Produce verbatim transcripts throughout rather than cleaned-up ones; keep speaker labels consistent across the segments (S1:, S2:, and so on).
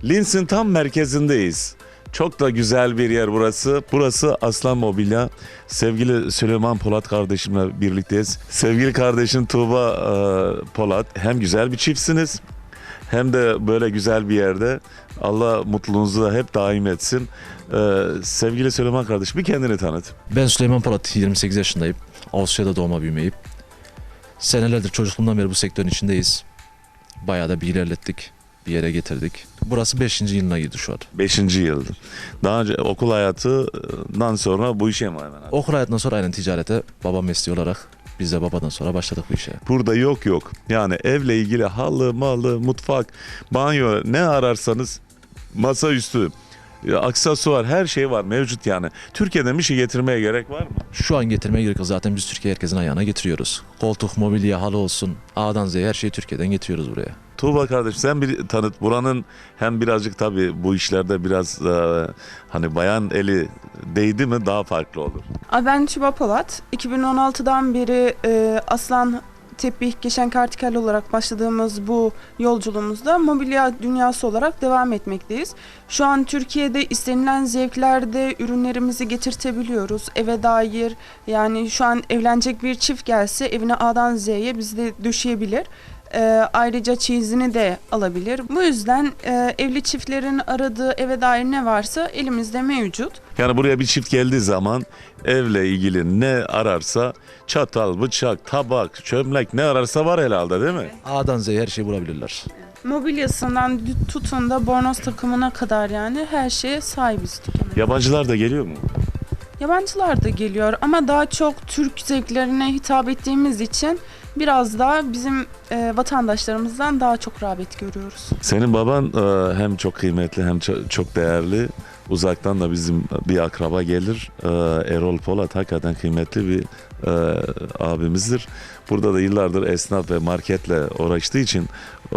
S1: Linz'in tam merkezindeyiz. Çok da güzel bir yer burası. Burası Aslan Mobilya. Sevgili Süleyman Polat kardeşimle birlikteyiz. Sevgili kardeşim Tuğba e, Polat. Hem güzel bir çiftsiniz hem de böyle güzel bir yerde. Allah mutluluğunuzu da hep daim etsin. E, sevgili Süleyman kardeşim, bir kendini tanıt.
S2: Ben Süleyman Polat, yirmi sekiz yaşındayım. Avusturya'da doğma büyümeyim. Senelerdir çocukluğumdan beri bu sektörün içindeyiz. Bayağı da bir ilerlettik, bir yere getirdik. Burası beşinci yılına girdi şu an.
S1: Beşinci yıldır. Daha önce okul hayatından sonra bu işe mi hemen?
S2: Okul hayatından sonra aynen ticarete, baba mesleği olarak biz de babadan sonra başladık bu işe.
S1: Burada yok yok. Yani evle ilgili halı, malı, mutfak, banyo ne ararsanız masaüstü, aksesuar her şey var mevcut yani. Türkiye'den bir şey getirmeye gerek var mı?
S2: Şu an getirmeye gerek yok, zaten biz Türkiye herkesin ayağına getiriyoruz. Koltuk, mobilya, halı olsun, A'dan Z'ye her şeyi Türkiye'den getiriyoruz buraya.
S1: Tuğba kardeş, sen bir tanıt. Buranın hem birazcık tabii bu işlerde biraz e, hani bayan eli değdi mi daha farklı olur.
S3: Ben Tuğba Polat. iki bin on altıdan beri e, Aslan Tepih Geçen Kartikel olarak başladığımız bu yolculuğumuzda mobilya dünyası olarak devam etmekteyiz. Şu an Türkiye'de istenilen zevklerde ürünlerimizi getirtebiliyoruz. Eve dair, yani şu an evlenecek bir çift gelse evine A'dan Z'ye bizde döşeyebilir. E, ayrıca çeyizini de alabilir. Bu yüzden e, evli çiftlerin aradığı eve dair ne varsa elimizde mevcut.
S1: Yani buraya bir çift geldiği zaman evle ilgili ne ararsa çatal, bıçak, tabak, çömlek ne ararsa var herhalde değil mi?
S2: A'dan Z'ye her şeyi bulabilirler.
S3: Mobilyasından tutun da bornoz takımına kadar yani her şeye sahibiz dükkana.
S1: Yabancılar da geliyor mu?
S3: Yabancılar da geliyor ama daha çok Türk zevklerine hitap ettiğimiz için biraz daha bizim e, vatandaşlarımızdan daha çok rağbet görüyoruz.
S1: Senin baban e, hem çok kıymetli hem ço- çok değerli. Uzaktan da bizim bir akraba gelir. E, Erol Polat hakikaten kıymetli bir e, abimizdir. Burada da yıllardır esnaf ve marketle uğraştığı için e,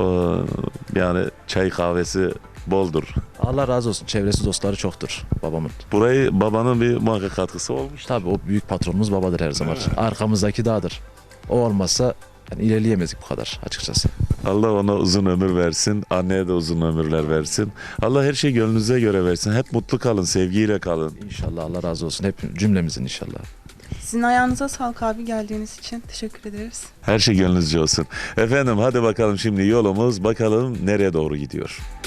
S1: yani çay kahvesi boldur.
S2: Allah razı olsun, çevresi dostları çoktur babamın.
S1: Burayı babanın bir muhakkak katkısı olmuş.
S2: Tabii o büyük patronumuz babadır her zaman. Arkamızdaki dağdır. O olmazsa yani ilerleyemezdik bu kadar açıkçası.
S1: Allah ona uzun ömür versin. Anneye de uzun ömürler versin. Allah her şey gönlünüze göre versin. Hep mutlu kalın, sevgiyle kalın.
S2: İnşallah, Allah razı olsun. Hep cümlemizin inşallah.
S3: Sizin ayağınıza sağlık abi, geldiğiniz için teşekkür ederiz.
S1: Her şey gönlünüzce olsun. Efendim hadi bakalım, şimdi yolumuz bakalım nereye doğru gidiyor.